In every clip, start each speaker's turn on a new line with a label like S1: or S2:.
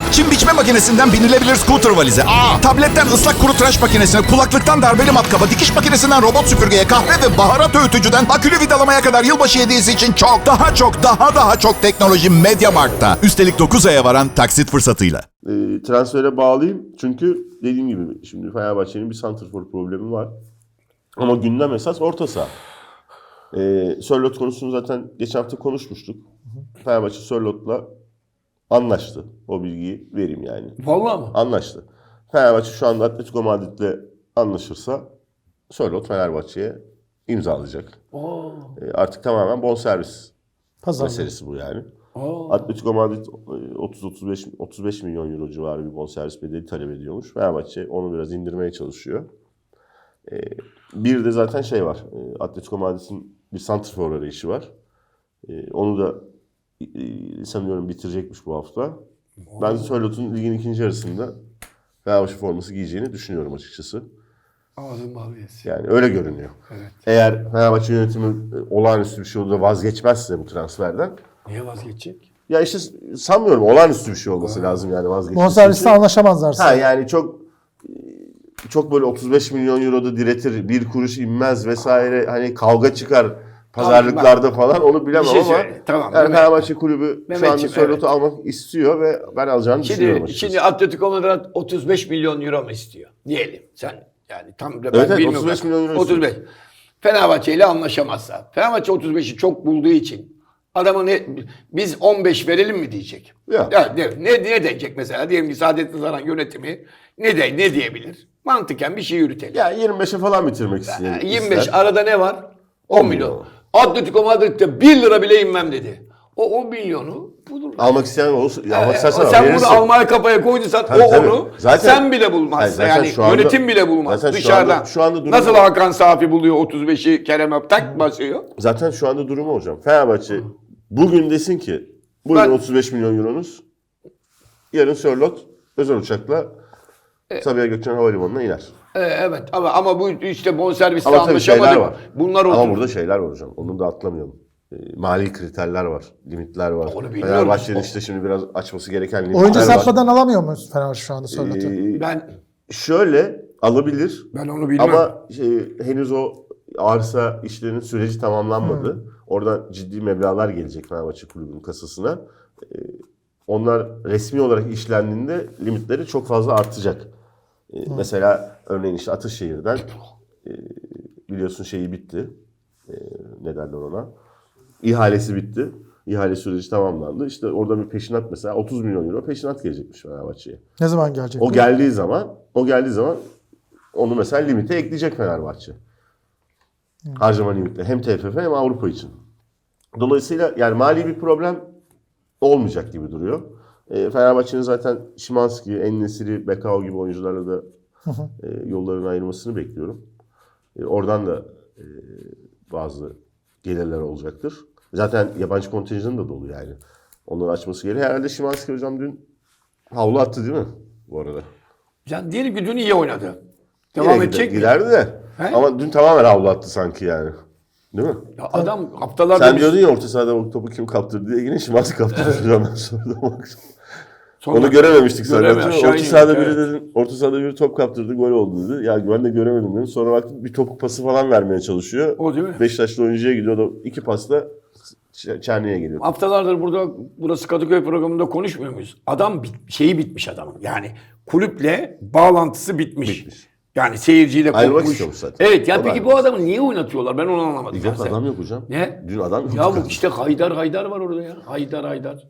S1: Çim biçme makinesinden binilebilir scooter valize. Tabletten ıslak kuru tıraş makinesine, kulaklıktan darbeli matkaba, dikiş makinesinden robot süpürgeye, kahve ve baharat öğütücüden akülü vidalamaya kadar yılbaşı hediyesi için çok, daha çok teknoloji MediaMarkt'ta. Üstelik 9 aya varan taksit fırsatıyla.
S2: Transfere bağlayayım. Çünkü dediğim gibi şimdi Fenerbahçe'nin bir santrfor problemi var. Ama gündem esas orta saha. Sörloth konusunu zaten geçen hafta konuşmuştuk. Fenerbahçe Sörloth'la anlaştı. O bilgiyi vereyim yani.
S3: Vallahi mı?
S2: Anlaştı. Fenerbahçe şu anda Atletico Madrid'le anlaşırsa Sörloth Fenerbahçe'ye imzalayacak. Artık tamamen bonservis meselesi bu yani. Atletico Madrid 30-35 milyon euro civarı bir bonservis bedeli talep ediyormuş. Fenerbahçe onu biraz indirmeye çalışıyor. Bir de zaten şey var. Atletico Madrid'in bir santrfor arayışı var. Onu da sanıyorum bitirecekmiş bu hafta. Ben Sörloth'un ligin ikinci yarısında Fenerbahçe forması giyeceğini düşünüyorum açıkçası.
S3: Ağzım bal yesin.
S2: Yani öyle görünüyor.
S3: Evet.
S2: Eğer Fenerbahçe yönetimi olağanüstü bir şey olur da vazgeçmezse bu transferden.
S3: Niye vazgeçecek?
S2: Ya işte sanmıyorum olağanüstü bir şey olması lazım yani vazgeçmesi.
S4: Bonserviste anlaşamazlarsa.
S2: Ha yani çok böyle 35 milyon euroda diretir, bir kuruş inmez vesaire hani kavga çıkar pazarlıklarda falan onu bilemem
S3: Bir şey
S2: ama
S3: söyle, tamam,
S2: yani
S3: Mehmet.
S2: Fenerbahçe kulübü şu anda
S3: Mehmetciğim,
S2: Sörloth'u almak istiyor ve ben alacağını düşünüyorum açıkçası.
S3: Şimdi Atletico Madrid 35 milyon euro mu istiyor? Diyelim sen yani tam ben
S2: Evet,
S3: bilmiyorum.
S2: 35 milyon euro
S3: 35. Fenerbahçe ile anlaşamazsa. Fenerbahçe 35'i çok bulduğu için adama biz 15 verelim mi diyecek.
S2: Ya.
S3: Ne diyecek mesela? Diyelim ki Saadettin Saran yönetimi ne diyebilir? Mantıken bir şey yürütelim.
S2: Ya 25'e falan bitirmek istiyor.
S3: 25 arada ne var? 10 milyon. Atletico Madrid'de 1 lira bile inmem dedi. O 10 milyonu bulur.
S2: Almak isteyen olursa, almak istersen
S3: Sen
S2: verirsin.
S3: bunu almaya kafaya koyduysan
S2: Tabii, tabii.
S3: onu
S2: Zaten-
S3: sen bile bulmazsın.
S2: Hayır, zaten
S3: Yani
S2: şu anda-
S3: yönetim bile bulmaz
S2: zaten
S3: dışarıdan.
S2: şu anda durum-
S3: Nasıl Hakan Safi buluyor 35'i Kerem Öptak basıyor.
S2: Zaten şu anda durumu hocam. Fenerbahçe bugün desin ki bugün
S3: Ben-
S2: 35 milyon euronuz. Yarın Sörloth özel uçakla Sabiha Gökçen Havalimanı'na iner.
S3: Evet ama bu işte bonservisle
S2: Ama tabii şeyler
S3: anlaşamadık.
S2: var.
S3: Bunlar
S2: Ama
S3: oturur.
S2: burada şeyler var hocam. Onu da atlamayalım. Mali kriterler var. Limitler var.
S3: Onu bilmiyoruz.
S2: Fenerbahçe'nin işte şimdi biraz açması gereken limitler
S4: Oyuncu
S2: var.
S4: satmadan alamıyor muyuz Fenerbahçe şu anda Sörloth'u?
S3: Ben
S2: Şöyle alabilir.
S3: onu bilmem.
S2: Ama henüz o arsa işlerinin süreci tamamlanmadı. Oradan ciddi meblağlar gelecek Fenerbahçe kulübünün kasasına. Onlar resmi olarak işlendiğinde limitleri çok fazla artacak. Mesela örneğin işte Ataşehir'den biliyorsun şeyi bitti. Ne derler ona? İhalesi bitti. İhale süreci tamamlandı. İşte orada bir peşinat mesela 30 milyon euro peşinat gelecekmiş Fenerbahçe'ye.
S4: Ne zaman gelecek?
S2: O geldiği zaman onu mesela limite ekleyecek Fenerbahçe. Harcama limite hem TFF hem Avrupa için. Dolayısıyla yani mali bir problem olmayacak gibi duruyor. Fenerbahçe'nin zaten Szymański, En-Nesyri, Bekao gibi oyuncularla da yollarını ayırmasını bekliyorum. Oradan da bazı gelirler olacaktır. Zaten yabancı kontenjanı da dolu yani. Onları açması gerekiyor. Herhalde Szymański hocam dün havlu attı değil mi bu arada?
S3: Yani diyelim ki dün iyi oynadı. Devam
S2: Yine
S3: edecek mi?
S2: giderdi de.
S3: He?
S2: Ama dün tamamen havlu attı sanki yani. Değil mi?
S3: Ya adam haftalardır
S2: Sen diyordun ya orta sahada o topu kim kaptırdı diye yine Szymański kaptırdı hocam ben sordum.
S3: Sonra-
S2: Onu görememiştik zaten.
S3: Göremiyor, aşağı
S2: Orta sahada
S3: iniyor,
S2: biri dedin, orta sahada biri top kaptırdı, gol oldu dedi. Ya ben de göremedim dedim. Sonra baktım bir topuk pası falan vermeye çalışıyor.
S3: O değil mi?
S2: Beşiktaşlı oyuncuya gidiyor da iki pasla Çerni'ye geliyor.
S3: Haftalardır burası Kadıköy programında konuşmuyor muyuz? Adam şeyi bitmiş adamın. Yani kulüple bağlantısı bitmiş. Yani seyirciyle
S2: Ayrılmak
S3: kopmuş.
S2: istiyormuş zaten.
S3: Evet ya
S2: O da
S3: peki bu adamı niye oynatıyorlar? Ben onu anlamadım.
S2: Yok
S3: şahsen.
S2: adam yok hocam.
S3: Ne?
S2: Dün adam yok.
S3: Ya bu işte Haydar var orada ya. Haydar.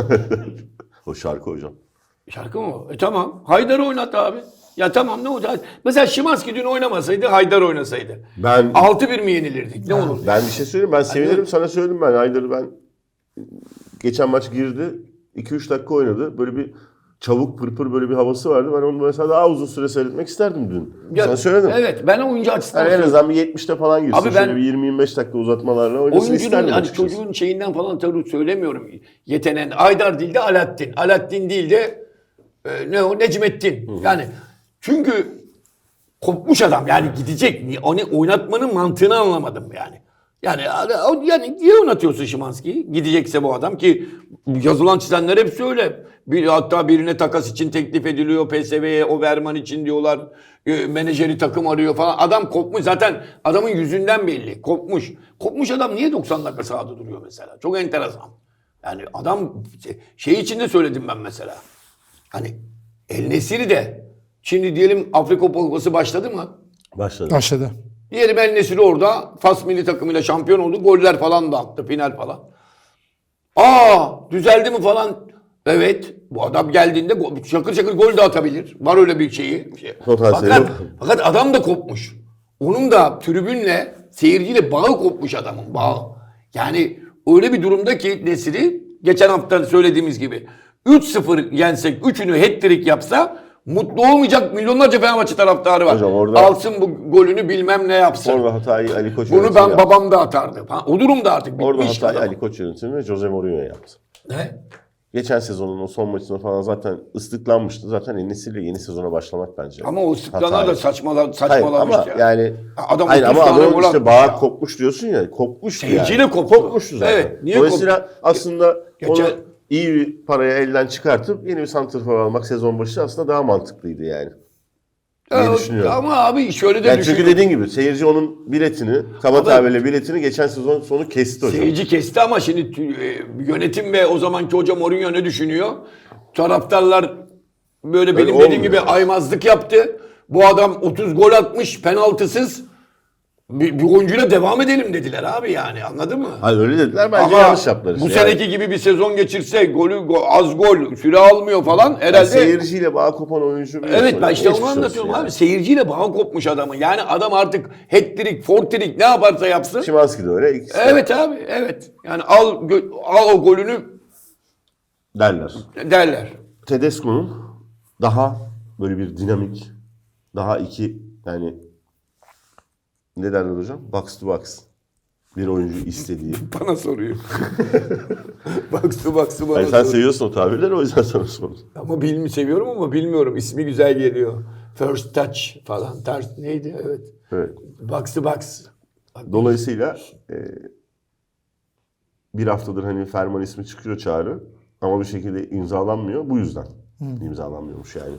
S2: O şarkı hocam.
S3: Şarkı mı o? Tamam. Haydar oynattı abi. Ya tamam ne olacak? Mesela Szymański dün oynamasaydı Haydar oynasaydı.
S2: Ben
S3: 6-1 mi yenilirdik? Ne olur?
S2: bir şey söyleyeyim. Ben sevinirim. Sana söyledim ben. Haydar'ı ben geçen maç girdi. 2-3 dakika oynadı. Böyle bir çabuk pırpır böyle bir havası vardı. Ben onu mesela daha uzun süre seyretmek isterdim dün.
S3: Ya,
S2: Sana söyledim.
S3: Evet ben oyuncu açısından
S2: Yani en azından bir 70'te falan girsin.
S3: Abi ben-
S2: Şöyle bir 20-25 dakika uzatmalarla oynasın
S3: oyuncunun
S2: isterdim
S3: hani
S2: açıkçası.
S3: çocuğun şeyinden falan tabii söylemiyorum. Yeteneğin Haydar değil de Alaaddin. Alaaddin değil de ne o Necmettin. Yani çünkü kopmuş adam yani gidecek. Onu oynatmanın mantığını anlamadım yani. Yani niye oynatıyorsun Szymański'yi? Gidecekse bu adam ki yazılan çizenler hep öyle. Hatta birine takas için teklif ediliyor PSV'ye, o Verman için diyorlar. Menajeri takım arıyor falan. Adam kopmuş zaten, adamın yüzünden belli. Kopmuş. Kopmuş adam niye 90 dakika sahada duruyor mesela? Çok enteresan. Yani adam şey için de söyledim ben mesela. Hani El Nesiri de şimdi diyelim Afrika Kupası başladı mı?
S2: Başladı.
S4: Başladı.
S3: Diyelim El Nesiri orada Fas milli takımıyla şampiyon oldu. Goller falan da attı. Final falan. Düzeldi mi falan. Evet. Bu adam geldiğinde şakır şakır gol de atabilir. Var öyle bir şeyi.
S2: Potansiyeli var.
S3: Fakat adam da kopmuş. Onun da tribünle, seyirciyle bağı kopmuş adamın. Bağı. Yani öyle bir durumda ki Nesiri geçen hafta söylediğimiz gibi 3-0 yensek 3'ünü hat-trick yapsa mutlu olmayacak milyonlarca Fenerbahçe taraftarı var.
S2: Hocam orada-
S3: Alsın bu golünü bilmem ne yapsın.
S2: Orada hatayı Ali Koç
S3: Bunu
S2: yönetimi yaptı.
S3: babam da atardı. O durumda artık
S2: Orada
S3: bitmiş.
S2: hatayı
S3: adam.
S2: Ali Koç yönetimi ve Jose Mourinho yaptı.
S3: Ne?
S2: Geçen sezonun o son maçında falan zaten ıslıklanmıştı. Zaten En-Nesyri'yle yeni sezona başlamak bence.
S3: Ama o sıklanlar da
S2: Hatayı. Hayır
S3: saçmalamış
S2: ama
S3: ya.
S2: yani
S3: Adam
S2: hayır
S3: 30
S2: ama
S3: tane
S2: adamın
S3: gol
S2: işte
S3: atmış
S2: bağı
S3: ya.
S2: kopmuş diyorsun ya. Kopmuştu
S3: Seyirciyle
S2: yani.
S3: koptu.
S2: Kopmuştu zaten.
S3: Evet, niye
S2: Dolayısıyla
S3: koptu?
S2: aslında
S3: Geçen-
S2: onu iyi bir paraya elden çıkartıp yeni bir santrfor almak sezon başı aslında daha mantıklıydı yani. diye düşünüyorum.
S3: Ama abi şöyle de
S2: Yani çünkü
S3: düşünüyorum.
S2: dediğin gibi seyirci onun biletini, kaba tabirle biletini geçen sezon sonu kesti hocam.
S3: Seyirci kesti ama şimdi yönetim ve o zamanki hoca Mourinho ne düşünüyor? Taraftarlar böyle benim
S2: Öyle
S3: dediğim gibi
S2: olmuyor.
S3: aymazlık yaptı. Bu adam 30 gol atmış penaltısız. Bir oyuncuyla devam edelim dediler abi yani, anladın mı?
S2: Hayır öyle dediler, bence
S3: Ama
S2: yanlış yaptılar işte.
S3: bu
S2: yani.
S3: seneki gibi bir sezon geçirse az gol süre almıyor falan herhalde.
S2: Yani seyirciyle bağ kopan oyuncu bir
S3: Evet, ben işte onu
S2: geçmiş olsun
S3: anlatıyorum
S2: yani.
S3: abi. Seyirciyle bağ kopmuş adamın. Yani adam artık hat-trick, forttrick ne yaparsa yapsın.
S2: Szymański de öyle. İkisi de
S3: Evet abi, evet. Yani al o golünü
S2: derler.
S3: derler.
S2: Tedesco'nun daha böyle bir dinamik, daha yani ne derler hocam? Box to box bir oyuncu istediği.
S3: Bana soruyor. Baksı bana
S2: Yani sen
S3: soruyor.
S2: seviyorsun o tabirleri, o yüzden sana sordum.
S3: Ama seviyorum ama bilmiyorum. İsmi güzel geliyor. First touch falan. Neydi? Evet.
S2: Evet.
S3: Box.
S2: Dolayısıyla bir haftadır hani Ferman ismi çıkıyor, Çağrı, ama bir şekilde imzalanmıyor. Bu yüzden imzalanmıyormuş yani.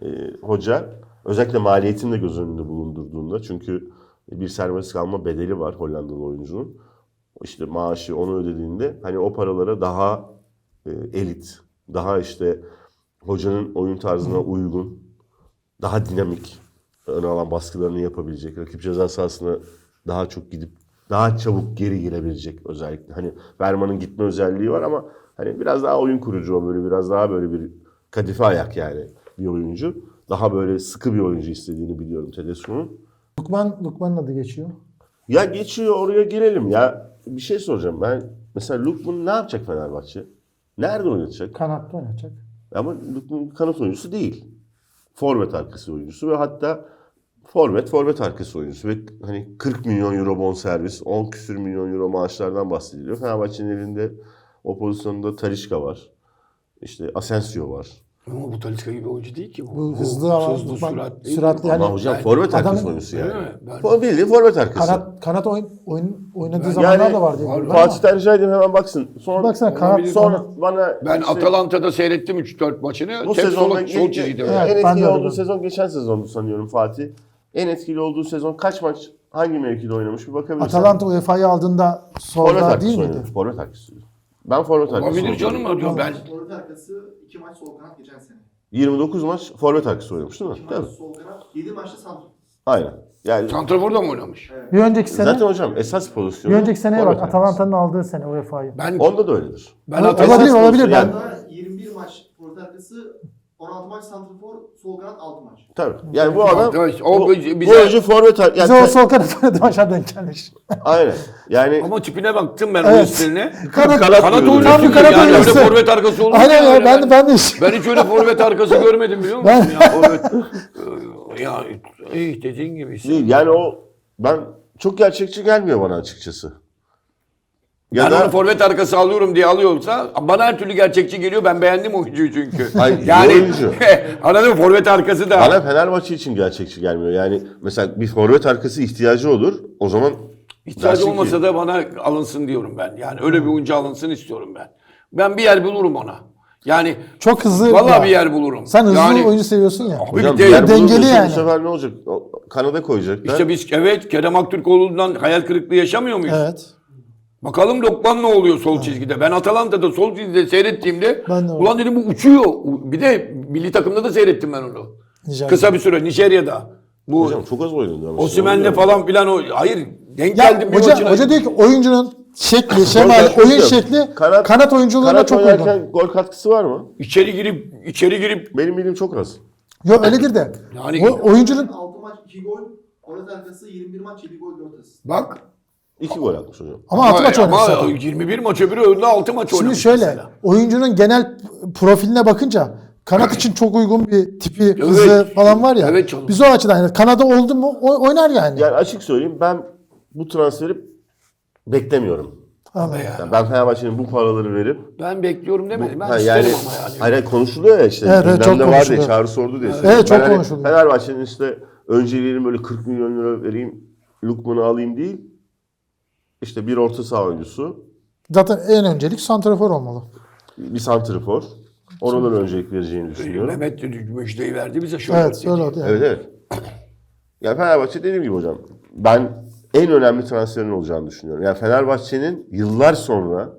S2: Hoca özellikle maliyetini de göz önünde bulundurduğunda, çünkü bir serbest kalma bedeli var Hollandalı oyuncunun. İşte maaşı onu ödediğinde hani o paralara daha elit, daha işte hocanın oyun tarzına uygun, daha dinamik, ön alan baskılarını yapabilecek, rakip ceza sahasına daha çok gidip daha çabuk geri gelebilecek özellikle. Hani Verman'ın gitme özelliği var ama hani biraz daha oyun kurucu, o böyle biraz daha böyle bir kadife ayak yani bir oyuncu. Daha böyle sıkı bir oyuncu istediğini biliyorum Tedesco'nun.
S4: Lukman'ın adı geçiyor.
S2: Ya geçiyor, oraya girelim ya. Bir şey soracağım ben. Mesela Lukman ne yapacak Fenerbahçe? Nerede oynatacak?
S4: Kanatta oynayacak.
S2: Ama Lukman kanat oyuncusu değil. Forvet arkası oyuncusu ve hatta forvet arkası oyuncusu ve hani 40 milyon euro bonservis, 10 küsür milyon euro maaşlardan bahsediliyor. Fenerbahçe'nin elinde o pozisyonda Talisca var. İşte Asensio var.
S3: Ama bu Talisca gibi oyuncu değil ki bu.
S4: Bu hızlı ama
S3: hızlı,
S4: Lukman
S3: süratli.
S4: süratli yani.
S2: Ama hocam forvet arkası
S4: adamın-
S2: oyuncusu
S3: Öyle
S2: yani.
S3: mi? Ben-
S2: Bildiğin forvet arkası.
S4: Kanat oynadığı zamanlar da var diye biliyorum ama.
S2: Fatih'ten rica edeyim hemen baksın. Sonra,
S4: Baksana kanat
S2: sonra bana
S3: Ben
S2: işte
S3: Atalanta'da seyrettim 3-4 maçını.
S2: bu
S3: Hep
S2: sezonda
S3: sol çizgide.
S4: Evet,
S2: en
S4: ben de
S2: etkili
S4: öyle
S2: olduğu
S4: dedim.
S2: sezon geçen sezondu sanıyorum Fatih. En etkili olduğu sezon kaç maç hangi mevkide oynamış bir bakabilirsin.
S4: Atalanta UEFA'yı aldığında
S2: forvet
S4: solda
S2: arkası
S4: değil miydi?
S2: oynuyor. Forvet arkası. Ben forvet arkası.
S3: Olabilir
S2: oynuyorum.
S3: canım diyorum ben.
S5: Forvet arkası 2 maç sol kanat geçen sene.
S2: 29 maç forvet arkası oynamış değil mi?
S5: 2
S2: Değil
S5: maç
S2: mi?
S5: sol kanat, 7 maçta santrafor.
S2: Aynen. Yani
S3: Santrafor'da mı oynamış?
S4: Bir önceki sene,
S2: zaten hocam esas pozisyonu
S4: bir önceki seneye bak
S2: forvet arkası.
S4: Atalanta'nın aldığı sene UEFA'yı.
S3: Ben
S2: Onda da öyledir.
S4: Olabilir, olabilir.
S2: Yani-
S4: Ben
S5: Daha 21 maç forvet arkası, 16 maç santrafor, sol kanat 6 maç.
S2: Tabii. Yani bu adam
S3: O
S2: bu
S3: bize-
S2: oyuncu forvet
S4: bize o
S2: yani
S4: sol kanat oynadığı maçlar denk gelmiş.
S2: aynen. Yani
S3: ama tipine baktım ben
S4: Evet.
S3: o üstüne.
S4: Kanat-
S3: Kanat
S2: diyordu.
S3: oyuncusu
S4: Tam bir kanat
S3: yani
S4: oyuncusu.
S3: öyle forvet arkası olur mu
S4: Aynen
S3: ya?
S4: ya ben de
S3: Ben hiç öyle forvet arkası görmedim biliyor musun?
S4: Ben-
S3: Ya, forvet, ya iyi dediğin gibi.
S2: değil. Yani o ben çok gerçekçi gelmiyor bana açıkçası. Ya
S3: Ben
S2: da
S3: onu forvet arkası alıyorum diye alıyorsa bana her türlü gerçekçi geliyor. Ben beğendim oyuncuyu çünkü.
S2: Hayır, iyi
S3: yani
S2: oyuncu.
S3: anladın mı? Forvet arkası da.
S2: bana Fenerbahçe için gerçekçi gelmiyor. Yani mesela bir forvet arkası ihtiyacı olur. O zaman
S3: İhtiyacı
S2: Dersin
S3: olmasa
S2: ki-
S3: da bana alınsın diyorum ben. Yani öyle bir oyuncu alınsın istiyorum ben. Ben bir yer bulurum ona. Yani
S4: Çok hızlı.
S3: vallahi
S4: ya.
S3: bir yer bulurum.
S4: Sen hızlı
S3: yani,
S4: oyuncu seviyorsun ya.
S2: Hocam
S3: bir de-
S2: diğer
S4: dengeli
S2: bulunursa
S4: yani.
S2: Bu sefer ne olacak? Kanada koyacaklar.
S3: İşte biz evet Kerem Aktürkoğlu'ndan hayal kırıklığı yaşamıyor muyuz?
S4: Evet.
S3: Bakalım Lokman ne oluyor sol çizgide. Ben Atalanta'da sol çizgide seyrettiğimde
S4: Ben de
S3: ulan dedim bu uçuyor. Bir de milli takımda da seyrettim ben onu.
S4: Nijerya.
S3: Kısa bir süre Nijerya'da. Bu
S2: Hocam çok az oynadı. ama.
S3: Osimhen'le falan filan o. Hayır denk
S4: Ya
S3: geldim bir
S4: hoca,
S3: maçına.
S4: hoca diyor ki oyuncunun şekli, şemali,
S2: Gol
S4: oyun
S2: katkısı
S4: şekli
S2: yok.
S4: kanat oyunculuğuna
S2: kanat
S4: çok uygun.
S2: oynarken gol katkısı var mı?
S3: İçeri girip
S2: Benim bildiğim çok az.
S4: Yok öyledir de.
S3: Yani-
S4: Oyuncunun
S5: 6 maç 2 gol. Forvet arkası 21 maç 7 gol 4 asist.
S3: bak.
S2: 2 gol atmış hocam.
S4: ama 6 maç oynamış zaten.
S3: 21 maç öbürü önünde 6 maç
S4: Şimdi
S3: oynamış
S4: şöyle
S3: mesela.
S4: oyuncunun genel profiline bakınca kanat için çok uygun bir tipi, hızı falan var ya.
S3: Evet canım.
S4: Biz o açıdan yani Kanada oldu mu oynar yani.
S2: Yani açık söyleyeyim ben bu transferi beklemiyorum.
S4: Anladım.
S2: Yani ben Fenerbahçe'nin bu paraları verip
S3: Ben bekliyorum demedim. Ben
S2: Ha,
S3: isterim
S2: yani,
S3: ama yani.
S2: hayır konuşuluyor ya işte.
S4: Evet, evet,
S2: gündemde
S4: çok
S2: var
S4: konuşuluyor.
S2: diye çağrı sordu diye.
S4: Evet, çok
S2: Ben hani
S4: konuşuluyor.
S2: Fenerbahçe'nin işte önceliğini böyle 40 milyon lira vereyim, Lukman'ı alayım değil. İşte bir orta saha oyuncusu,
S4: Zaten en öncelik santrafor olmalı.
S2: bir santrifor. Oradan öncelik vereceğini düşünüyorum.
S3: Mehmet müjdeyi verdi bize şöyle.
S4: Evet öyle oldu. Yani.
S2: Evet evet. Yani Fenerbahçe dediğim gibi hocam. Ben en önemli transferin olacağını düşünüyorum. Yani Fenerbahçe'nin yıllar sonra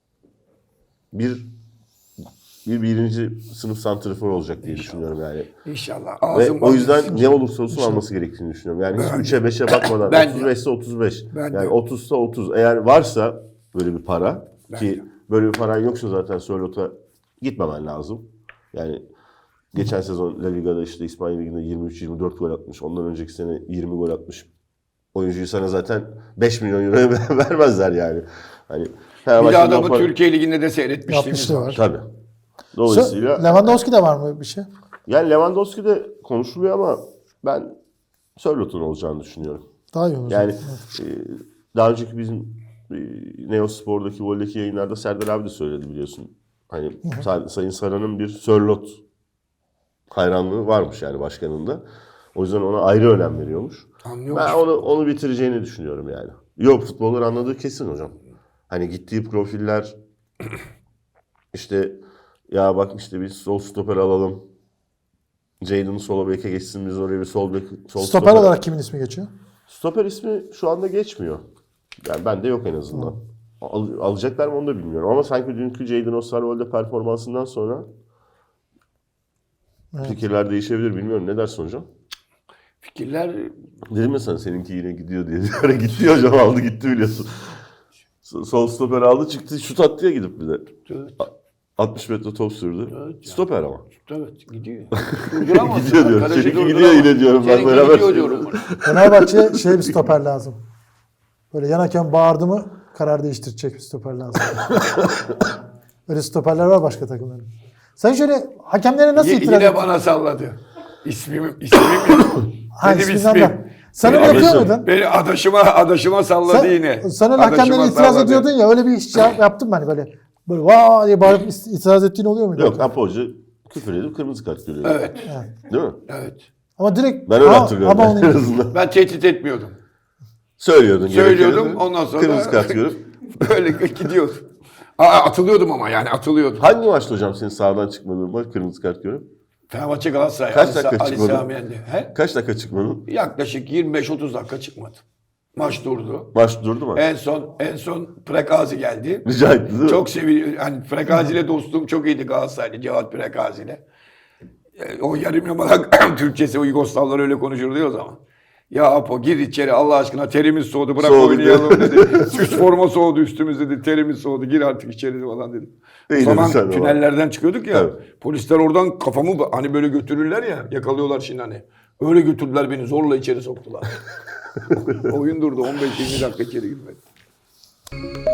S2: birinci sınıf santrifor olacak diye düşünüyorum yani.
S3: İnşallah.
S2: Ve
S3: Ağzım
S2: o yüzden ne olursa olsun alması gerektiğini düşünüyorum. Yani hiç 3'e 5'e bakmadan
S3: Ben de.
S2: 35 ise 35.
S3: Ben de.
S2: Yani 30 ise 30. Eğer varsa böyle bir para ki
S3: de.
S2: böyle bir paran yoksa zaten Sörlot'a gitmemen lazım. Yani geçen sezon La Liga'da işte İspanya Ligi'nde 23-24 gol atmış. Ondan önceki sene 20 gol atmış. Oyuncuyu sana zaten 5 milyon euroya vermezler yani. Hani
S3: Bir de
S2: Fenerbahçe'nin
S3: adamı
S2: o para-
S3: Türkiye Ligi'nde de seyretmişliğimiz
S4: Yapmışlığı
S3: var.
S4: var.
S2: Tabii. Dolayısıyla
S4: Lewandowski'de var mı bir şey?
S2: yani Lewandowski de konuşuluyor ama ben Sörlot'un olacağını düşünüyorum.
S4: Daha iyi olur.
S2: Yani daha önceki bizim Neospor'daki Vol'deki yayınlarda Serdar abi de söyledi biliyorsun. Hani Sayın Saran'ın bir Sörlot hayranlığı varmış yani başkanında. O yüzden ona ayrı önem veriyormuş.
S3: Anlıyormuş.
S2: Ben onu bitireceğini düşünüyorum yani. Yok futbolları anladığı kesin hocam. Hani gittiği profiller işte ya bak işte biz sol stoper alalım. Jadon'u sola beke geçsin biz oraya bir sol
S4: Stoper olarak kimin ismi geçiyor?
S2: Stoper ismi şu anda geçmiyor. Yani bende yok en azından. Alacaklar mı onu da bilmiyorum. Ama sanki dünkü Jadon Osterwolde performansından sonra fikirler değişebilir. Bilmiyorum. Ne dersin hocam?
S3: Fikirler
S2: Dedim ya sana seninki yine gidiyor diye. Öyle gitti hocam aldı gitti biliyorsun. Sol stoper aldı çıktı şut attı ya gidip bir de.
S3: evet,
S2: 60 metre top sürdü.
S3: Evet ya.
S2: Stoper ama.
S3: evet gidiyor. Durduramazsın.
S2: Gidiyor diyorum.
S3: Arkadaşı
S2: Seninki
S3: durduramaz.
S2: gidiyor yine diyorum. Ben
S3: Seninki
S2: beraber
S3: gidiyor diyorum.
S4: Fenerbahçe'ye şey bir stoper lazım. Böyle yan hakem bağırdı mı karar değiştirecek bir stoper lazım. Öyle stoperler var başka takımların. Sen şöyle hakemlere nasıl itiraz
S3: Yine
S4: ettin?
S3: bana salladı. İsmim
S4: Ha,
S3: Benim
S4: isminden
S3: ismim.
S4: de. Sen öyle
S2: Benim
S4: yapıyor
S2: ismim.
S4: muydun?
S3: Beni adaşıma salladı yine.
S4: Sen öyle
S3: Adaşıma
S4: hakemlere itiraz
S3: salladı.
S4: ediyordun ya öyle bir iş yaptın mı hani böyle vaa diye bağırıp itiraz ettiğin oluyor muydu?
S2: Yok Apo Hoca küfür edip kırmızı kart görüyor.
S3: Evet.
S2: Değil mi?
S3: Evet.
S4: Ama direkt
S2: Ben öyle hatırlıyorum.
S4: ama
S2: en azından.
S3: Ben tehdit etmiyordum.
S2: Söylüyordun.
S3: Söylüyordum,
S2: gerekirse.
S3: ondan sonra-
S2: Kırmızı kart görüp.
S3: Böyle gidiyordu. Atılıyordum ama yani atılıyordum.
S2: Hangi maçta hocam senin sağdan çıkmadığın maç kırmızı kart görüp?
S3: Fenerbahçe Galatasaray.
S2: Kaç dakika
S3: Ali
S2: çıkmadı?
S3: Sami Yendi. He?
S2: Kaç dakika çıkmadın?
S3: Yaklaşık 25-30 dakika çıkmadı. Maç durdu.
S2: Maç durdu mu?
S3: En son Prekazi geldi.
S2: Rica etti değil mi?
S3: Çok seviyorum. Hani Prekazi ile dostluğum çok iyiydi Galatasaraylı Cevat Prekazi ile. O yarım yamalak Türkçesi o Yugoslavlar öyle konuşurdu ya o zaman. Ya Apo gir içeri Allah aşkına terimiz soğudu bırak
S2: Soğudu
S3: oynayalım dedi. Süs forma soğudu üstümüz dedi. Terimiz soğudu gir artık içeri falan dedi. O
S2: İyi
S3: zaman
S2: dedin sen de
S3: tünellerden çıkıyorduk ya.
S2: Evet.
S3: Polisler oradan kafamı hani böyle götürürler ya yakalıyorlar şimdi hani. Öyle götürdüler beni zorla içeri soktular. Oyun durdu 15-20 dakika içeri girmedi.